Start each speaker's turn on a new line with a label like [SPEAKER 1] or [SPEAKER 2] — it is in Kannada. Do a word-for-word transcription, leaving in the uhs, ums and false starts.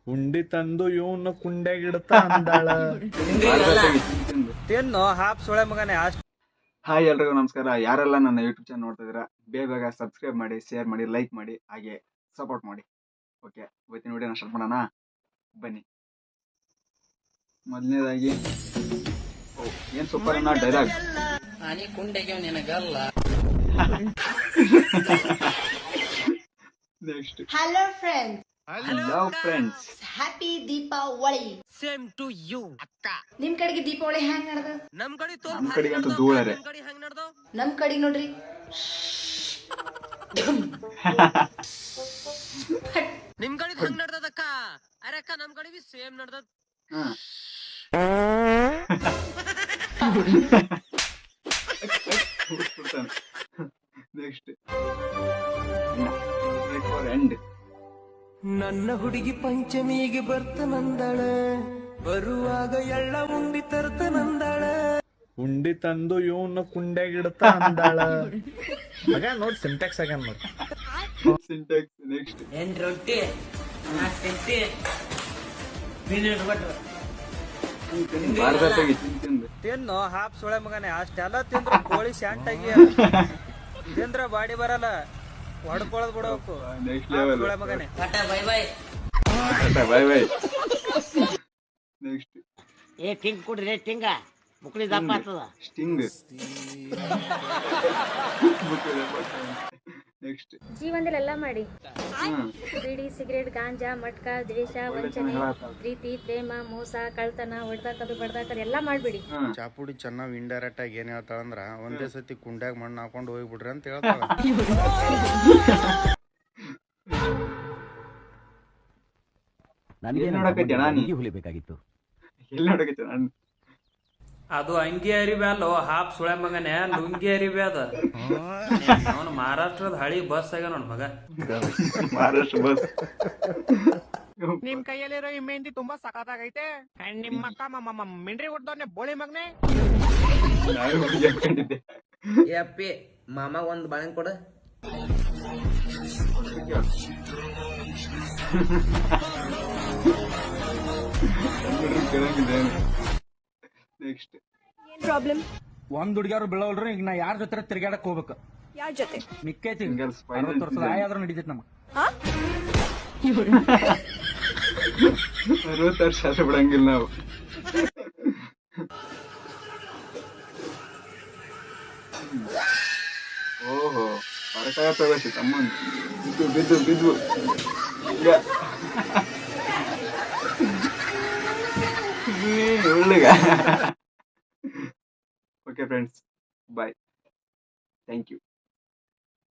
[SPEAKER 1] ಉಂಡಿ ತಂದು ಇವನು ಕುಂಡೆಗಿಡ್ತ ಅಂದಾಳ.
[SPEAKER 2] ತಿನ್ನು ಹಾಪ್ ಸೊಳೆ ಮಗನೇ ಅಷ್ಟ್.
[SPEAKER 3] ಹಾಯ್ ಎಲ್ರಿಗೂ ನಮಸ್ಕಾರ. ಯಾರೆಲ್ಲ ನನ್ನ ಯೂಟ್ಯೂಬ್ ಚಾನಲ್ ನೋಡ್ತಾ ಇದ್ದೀರಾ, ಬೇಗ ಬೇಗ ಸಬ್ಸ್ಕ್ರೈಬ್ ಮಾಡಿ, ಶೇರ್ ಮಾಡಿ, ಲೈಕ್ ಮಾಡಿ, ಹಾಗೆ ಸಪೋರ್ಟ್ ಮಾಡಿ. ಓಕೆ, ಇವತ್ತಿನ ವಿಡಿಯೋನ ಸ್ಟಾರ್ಟ್ ಮಾಡೋಣ, ಬನ್ನಿ. ಮೊದಲನೇದಾಗಿ ಏನ್ ಸೂಪರ್ ಅನ್ನೋ dialogue. Next,
[SPEAKER 4] Hello friends.
[SPEAKER 3] Hello friends,
[SPEAKER 4] Happy Deepavali.
[SPEAKER 2] Same to you ಅಕ್ಕ.
[SPEAKER 4] ನಿಮ್ ಕಡೆಗೆ ದೀಪಾವಳಿ ಹೆಂಗ್ ನಡ್ದ?
[SPEAKER 2] ನಮ್ ಕಡೆ ತೋಲ್
[SPEAKER 3] ನಮ್ ಕಡೆಗಂತೂ ಧೂಳರೆ.
[SPEAKER 2] ನಮ್ ಕಡೆ ಹೆಂಗ್ ನಡ್ದೋ?
[SPEAKER 4] ನಮ್ ಕಡೆಗೆ ನೋಡ್ರಿ
[SPEAKER 2] ನಿಮ್ ಕಡೆ ಹೆಂಗ್ ನಡ್ದದಕ್ಕ? ಅರೆ ಅಕ್ಕ ನಮ್ ಕಡೆ ಬಿ ಸೇಮ್ ನಡ್ದದ.
[SPEAKER 3] Next, end.
[SPEAKER 5] ನನ್ನ ಹುಡುಗಿ ಪಂಚಮಿಗೆ ಬರ್ತನಂದಳ, ಬರುವಾಗ ಎಳ್ಳ ಉಂಡಿ ತರ್ತನಂದಳ.
[SPEAKER 1] ಉಂಡಿ ತಂದು ಇವನು ಕುಂಡೆಗಿಡ್ತ ಅಂದಾಳ. ಮಗ ನೋಡ್ ಸಿಂಟ್ಯಾಕ್ಸ್ ಆಗ್ಯಾನ ನೋಡ್.
[SPEAKER 3] ಸಿಂಟ್ಯಾಕ್ಸ್. ನೆಕ್ಸ್ಟ್,
[SPEAKER 5] ಏನ್ ರೊಟ್ಟಿ ತಿಂತಿ ಮಿನಿಟ್ ಬಟ್ರ
[SPEAKER 3] ಭಾರತದಾಗಿ ತಿಂತಿಂದು
[SPEAKER 2] ತಿನ್ನು ಹಾಪ್ ಸೊಳೆ ಮಗನೇ ಅಷ್ಟೆಲ್ಲ ತಿಂದ್ರು ಕೋಳಿ ಶಾಂಟಾಗಿ ತಿಂದ್ರ ಬಾಡಿ ಬರಲ್ಲ, ಹೊಡ್ಕೊಳದ್ ಬಿಡಬೇಕು.
[SPEAKER 3] ನೆಕ್ಸ್ಟ್
[SPEAKER 2] ಹಾಪ್
[SPEAKER 3] ಲೆವೆಲ್.
[SPEAKER 2] ಸೊಳೆ ಮಗನೇ
[SPEAKER 5] tata bye bye.
[SPEAKER 3] Bye bye. Next,
[SPEAKER 6] ಏ ಟಿಂಗ್ ಕುಡ್ರಿ ಟಿಂಗ ಮುಕ್ಳಿ ದಪ್ಪ ಆಗ್ತದ.
[SPEAKER 3] ಸ್ಟಿಂಗ್. ನೆಕ್ಸ್ಟ್,
[SPEAKER 7] ಜೀವನದಲ್ಲೆಲ್ಲ ಮಾಡಿ ಬೀಡಿ, ಸಿಗರೇಟ್, ಗಾಂಜಾ, ಮಟ್ಕ, ದ್ವೇಷ, ವಂಚನೆ, ಪ್ರೀತಿ, ಪ್ರೇಮ, ಮೋಸ, ಕಳ್ತನ, ಹೊಡ್ದಾಕದು ಬಡ್ದಾಕದು ಎಲ್ಲ ಮಾಡ್ಬಿಡಿ.
[SPEAKER 8] ಚಾಪುಡಿ ಚೆನ್ನಾಗ್ ಇಂಡೈರೆಕ್ಟ್ ಆಗಿ ಏನ್ ಹೇಳ್ತಾಳ ಅಂದ್ರ, ಒಂದೇ ಸತಿ ಕುಂಡ್ಯಾಗ ಮಣ್ಣು ಹಾಕೊಂಡು ಹೋಗ್ಬಿಡ್ರಿ ಅಂತ ಹೇಳ್ತಾಳ.
[SPEAKER 3] ಎಲ್ಲಿ ನೋಡಕತ್ತಿ ಅಣ್ಣ ನೀ? ಎಲ್ಲಿ ನೋಡಕತ್ತಿ ನಾನು?
[SPEAKER 2] ಅದು ಅಂಗಿ ಅರಿಬ್ಯಾಲೋ ಹಾಪ್ ಸುಳೆ ಮಗನೇ, ಲುಂಗಿ ಅರಿಬ್ಯಾದ. ಅವನು ಮಹಾರಾಷ್ಟ್ರದ ಹಳಿ ಬಸ್ ಆಗ ನೋಡ್ ಮಗ.
[SPEAKER 3] ಮಹಾರಾಷ್ಟ್ರ ಬಸ್.
[SPEAKER 6] ನಿಮ್ ಕೈಯಲ್ಲಿರೋ ಈ ಮೆಹಂದಿ ತುಂಬಾ ಸಖತ್ತಾಗೈತೆ. ನಿಮ್ಮ ಅಕ್ಕ ಮಿಂಡ್ರಿ ಹೊಡ್ದವ್ನೆ ಬೋಳಿ ಮಗನೆ.
[SPEAKER 3] ನಾನು ಹುಡುಗಿ ಅನ್ಕೊಂಡಿದ್ದೆ.
[SPEAKER 5] ಅಪ್ಪಿ ಮಾಮ ಒಂದ್ ಬಾಳೆನ್ ಕೊಡ.
[SPEAKER 3] ನೆಕ್ಸ್ಟ್,
[SPEAKER 6] ಪ್ರಾಬ್ಲಮ್
[SPEAKER 9] ಒಂದ್ ಹುಡುಗಿಯವ್ರು ಬೀಳವಲ್ರಿ. ಈಗ ನಾ ಯಾರ ಜೊತೆ ತಿರ್ಗಾಡಕ್ ಹೋಗ್ಬೇಕು?
[SPEAKER 6] ಯಾರ ಜೊತೆ?
[SPEAKER 9] ಮಿಕ್ಕೈತಿ
[SPEAKER 3] Singles, final
[SPEAKER 9] ಅರವತ್ತು ವರ್ಷದ
[SPEAKER 3] season.
[SPEAKER 9] ಆಯಾದ್ರೂ ನಡೀತೈತಿ ನಮ್ಗೆ.
[SPEAKER 3] ಅರವತ್ತು ವರ್ಷ ಆದ್ರೆ ಬಿಡಂಗಿಲ್ಲ ನಾವು. ಓಹೋ, ಹೊರಟಾಗ ತಗೋಸಿ ತಮ್ಮನ್ ಬಿದ್ದು ಬಿದ್ದು ಬಿದ್ದು ಈಗ ಒಳ್ಳೆಗ. Okay friends, bye, thank you.